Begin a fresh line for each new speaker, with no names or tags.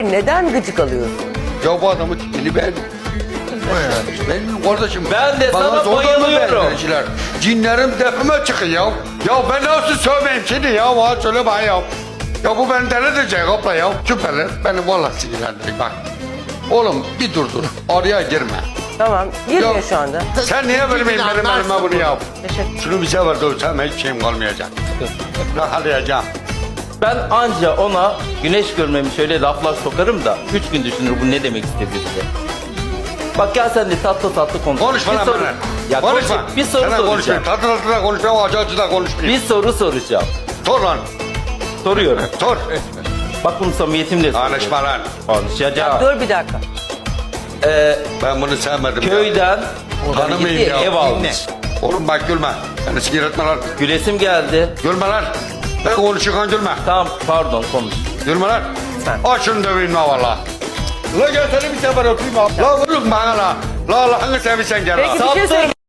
Neden gıcık alıyorsun?
Ya bu adamın tipini ben... Benim kardeşim...
Ben de
bana
sana
zorla mı
bayılıyorum.
verdiler? Cinlerim tepeme çıkıyor ya. Ya ben nasıl sövmeyeyim seni ya? Bana söyle bana ya. Ya bu beni deli edecek abla ya. Küpeler beni vallahi sinirlendirecek bak. Oğlum bir dur. Araya girme.
Tamam. Girmiyor
Yok.
şu anda.
Sen niye benim elime bunu yap?
Teşekkür.
Şunu bir sefer dövsem hiç şeyim kalmayacak. Rahatlayacağım.
Ben anca ona güneş görmemi şöyle laflar sokarım da 3 gün düşünür bu ne demek istedi diye. Bak gel sen de tatlı konuş.
Konuşma lan bana.
Ya
Konuşma.
bir soru
Sana
soracağım.
konuşmayayım. Tatlı da konuşmayayım, acı da konuşmayayım.
Bir soru soracağım.
Sor lan.
Soruyorum.
Sor.
Bak bunu samimiyetimle soruyorum.
Konuşma lan.
Konuşacağım.
Dur bir dakika.
Ben bunu sevmedim.
Köyden
Tanımayayım
gitti,
ya.
ev almış.
Oğlum bak gülme. Beni sinir etme lan.
Gülesim geldi.
Gülme lan. Ben konuşurken gülme.
Tamam pardon konuş.
Gülme lan.
Sen.
Aç şunu döveyim la valla. La gel seni bir sefer öpeyim abi. La vurun bana la. La Allah'ını seversen gel la.
Peki bir şey
Saptır.
söyleyeyim.